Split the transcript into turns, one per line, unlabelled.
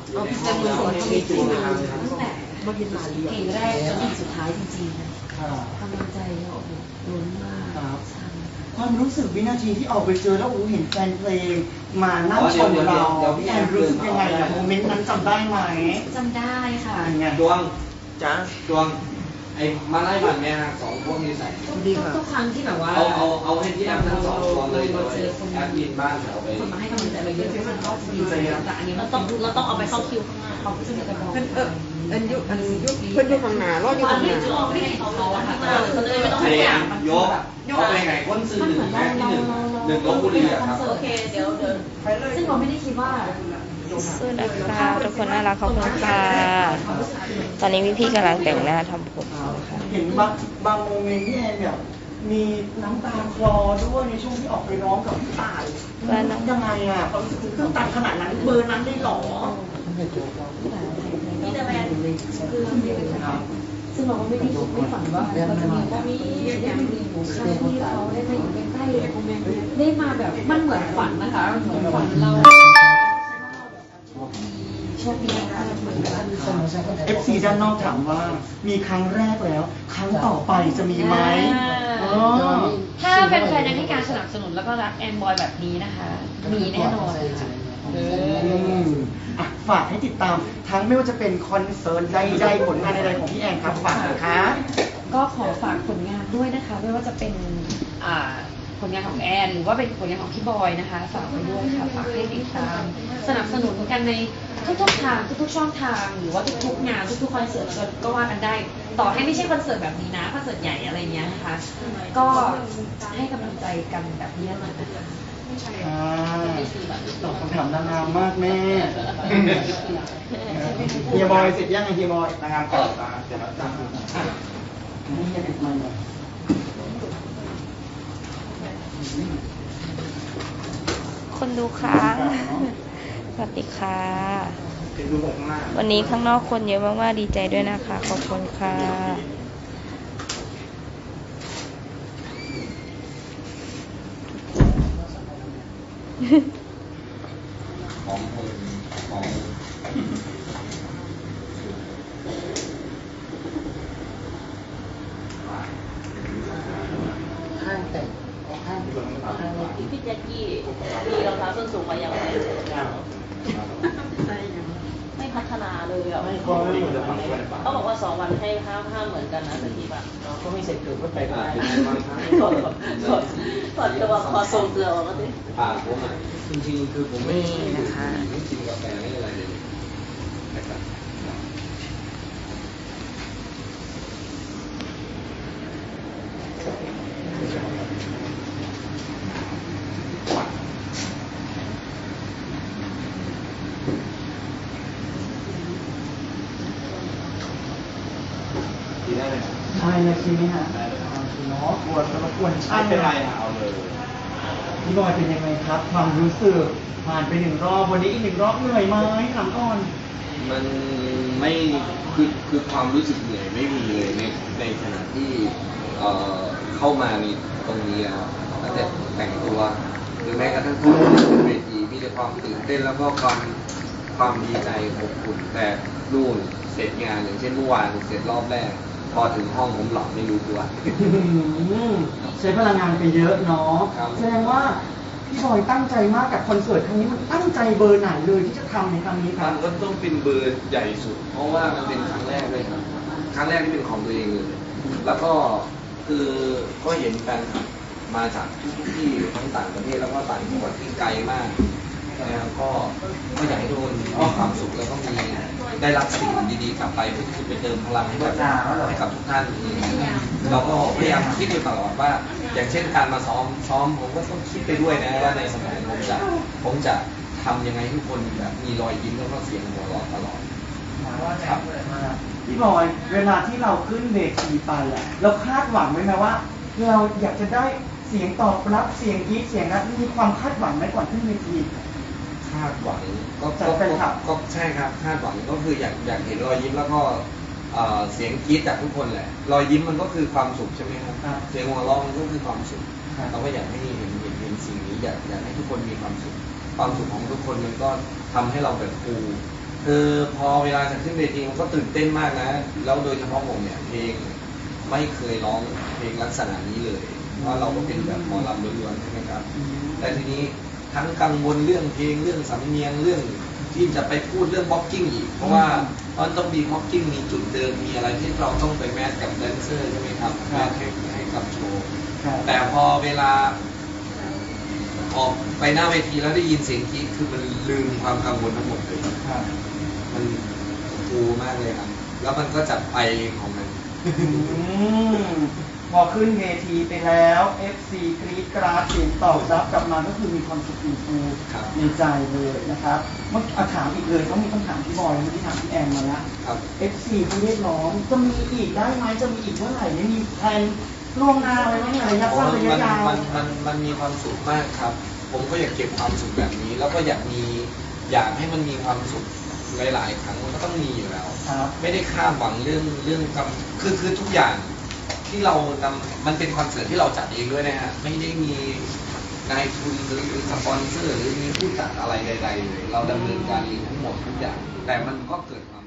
เอาพิจารณาในชีวิตจริงตั้งแต่เพลงแรกจนถึงสุดท้ายจริงๆนะกำลังใจเราโอ้โหล้นมาก
ความรู้สึกวินาทีที่ออกไปเจอแล้วเห็นแฟนเพลงมานั่งชมเราพี่แอนรู้สึกยังไงอะโมเมนต์นั้นจำได้ไหม
จำได้ค่ะ
ดวงจ้าดวงไอ้มาไล่บัตรแม่สองพวกนี้ใส่
ทุกครั้งที่แบบว่า
เอาให้ที่แอปทั้งสองตัวเลยแอปยินบ้านเราไป
คนมาให้กำลังใจเราเยอะมันก็ดีใจแต่อันนี้เราต้องเอาไปเข้าคิวข้างหน้าเขาจะมีกระบอก
อันยุเพื่อนยุข้างหน้ารอดยุข้างหน้า
ไม่เห็นเขาอะค่ะเขาเลยไม่ต้อง
ให้อย่างยกเอาไปไงก้นซื้อหนึ่งแม่ที่หนึ่งลบบุรีอะครับ
โอเคเดี๋ยวซึ่งเราไม่ได้คิดว่า
สู้นะคะทุกคนน่ารักขอบคุณค่ะตอนนี้พี่กำลังแต่งหน้าทำผม
เห็นบางโมเมนต์ที่แอนแบบมีน้ำตาคลอด้วยในช่วงที่ออกไปร้องกับพี่ต่ายยังไงอ่ะความรู้สึกตื้นตันขนาดนั้นเบอร์นั้นได้หรอ
พี่แต่แมนคือซึ่งเราก็ไม่ได้คิดไม่ฝันว่าเราจะมีได้มีหมูข้าวที่เขาได้มาอยู่ใกล้ๆได้มาแบบมันเหมือนฝันนะคะเหมือนฝันเราโชคดีนะคะเหมือนกัน
FC ด้านนอกถามว่ามีครั้งแรกแล้วครั้งต่อไปจะมีไหม
ถ้าแฟนๆยังให้การสนับสนุนแล้วก็รักแอนบอยแบบนี้นะคะมีแน่นอน
ฝากให้ติดตามทั้งไม่ว่าจะเป็นคอนเสิร์ตใดๆผลงานใดๆของพี่แอนครับฝากนะคะ
ก็ขอฝากผลงานด้วยนะคะไม่ว่าจะเป็นผลงานของแอนหรือว่าเป็นผลงานของพี่บอยนะคะฝากไปด้วยค่ะฝากให้ติดตามสนับสนุนกันในทุกๆทางทุกๆช่องทางหรือว่าทุกๆงานทุกๆคอนเสิร์ตก็ว่ากันได้ต่อให้ไม่ใช่คอนเสิร์ตแบบนี้นะคอนเสิร์ตใหญ่อะไรเงี้ยนะคะก็ให้กำลังใจกันแบบนี้เลยนะคะ
ตอบคำถามนางงามมากแม่เฮียบอยเสร็จยังไงเฮียบอยนางงามก่อนเสร็จแล้วจ้านี่เฮียติดมันเลย
คนดูค้างสวัสดีค่ะวันนี้ข้างนอกคนเยอะมากๆดีใจด้วยนะคะขอบคุณค่ะ
ของของ
ห้างแต่งห้าง
พี่แจ็คกี้มีรองเท้าส้นสูงมาอย่างไรไม่พัฒนาเลยอ่ะเขาบอกว่า2 วันให้ห้ามเหมือนกันนะสักทีป่ะ
ก็ไม่เสร็จเกิดก็ไปได้
ถอดตัวคอทรงเกลือออกมาดิ
ผมจริงๆคือผมไม่นะคะไม่กินกาแฟไม่อะไรเลยนะครับ
ใช่เลยใช่ไหมฮะเนาะกวนแล้วกวนช่าง
เป็นไรเอาเลย
พี่บอยเป็นยังไงครับความรู้สึกผ่านไป1 รอบวันนี้อีก1 รอบเหนื่อยไหมถามก่อน
มันไม่คือความรู้สึกเหนื่อยไม่มีเลยในขณะที่เข้ามาในตรงนี้ครับตั้งแต่แต่งตัวหรือแม้กระทั่งขึ้นเวทีมีแต่ความตื่นเต้นแล้วก็ความดีใจอบอุ่นแต่นู่นเสร็จงานอย่างเช่นเมื่อวานเสร็จรอบแรกพอถึงห้องผมหลับไม่รู้ตัว
ใช้พลังงานไปเยอะเนาะแสดงว่าพี่บอยตั้งใจมากกับคอนเสิร์ตครั้งนี้มันตั้งใจเบอร์ไหนเลยที่จะทำในครั้งนี้ครับ
ก็ต้องเป็นเบอร์ใหญ่สุดเพราะว่ามันเป็นครั้งแรกเลยครับครั้งแรกที่เป็นของตัวเองเลยแล้วก็คือก็เห็นแฟนคลับมาจากทุกที่ทั้งต่างประเทศแล้วก็ต่างจังหวัดที่ไกลมากนะครับก็อยากให้ทุกคนมีความสุขแล้วก็ได้รับสิ่งดีๆกลับไปเพื่อที่จะไปเติมพลังให้กับทุกท่านเราก็พยายามคิดอยู่ตลอดว่าอย่างเช่นการมาซ้อมผมก็ต้องคิดไปด้วยนะว่าในสมัยผมจะทำยังไงให้ทุกคนแบบมีรอยยิ้มแล้วก็เสียงหัวเราะตลอด
ครับพี่บอยเวลาที่เราขึ้นเวทีไปอ่ะเราคาดหวังไว้ไหมว่าเราอยากจะได้เสียงตอบรับเสียงกรี๊ดเสียงนั้นมีความคาดหวังไหมก่อนขึ้นเวที
คาดหวังก็ใช่ครับคาดหวังก็คืออยากเห็นรอยยิ้มแล้วก็เสียงกรี๊ดจากทุกคนแหละรอยยิ้มมันก็คือความสุขใช่ไหมครับเสียงหัวเราะมันก็คือความสุขเราก็อยากให้เห็นสิ่งนี้อยากให้ทุกคนมีความสุขความสุขของทุกคนมันก็ทำให้เราแบบฟูคือพอเวลาจะขึ้นเวทีมันก็ตื่นเต้นมากนะแล้วโดยเฉพาะผมเนี่ยเพลงไม่เคยร้องเพลงลักษณะนี้เลยเพราะเราก็เป็นแบบหมอลำล้วนๆใช่ไหมครับแต่ทีนี้ทั้งกังวลเรื่องเพลงเรื่องสำเนียงเรื่องที่จะไปพูดเรื่องบ็อกกิ้งอีกเพราะว่ามันต้องมีบ็อกกิ้งมีจุดเดิมมีอะไรที่เราต้องไปแมทกับแดนเซอร์ใช่ไหมครับแมทให้กับโชว์แต่พอเวลาออกไปหน้าเวทีแล้วได้ยินเสียงกรี๊ดคือมันลืมความกังวลทั้งหมดเลยมันฟูมากเลยครับแล้วมันก็จัดไปของมัน
พอขึ้นเวทีไปแล้ว FC กรี๊ดกราดเสียงตอบรับกลับมาก็คือมีความสุขฟูในใจเลยนะครับเมื่อถามอีกเลยต้องมีคำถามพี่บอยเมื่อกี้ถามพี่แอนมาแล้ว FC เขาเรียกร้องจะมีอีกได้ไหมจะมีอีกเมื่อไหร่ไม่มีแผนล่วงหน้าอะไรบ้างไหมระยะสั้นระยะยาว
มันมีความสุขมากครับ ผมก็อยากเก็บความสุขแบบนี้ แล้วก็อยากให้มันมีความสุขหลายๆครั้งมันก็ต้องมีอยู่แล้ว ไม่ได้คาดหวังเรื่องคือทุกอย่างที่เรามันเป็นคอนเสิร์ตที่เราจัดเองด้วยนะฮะไม่ได้มีนายทุนหรือสปอนเซอร์หรือมีผู้จัดอะไรใดๆเลยเราดำเนินการเองทั้งหมดทุกอย่างแต่มันก็เกิดความ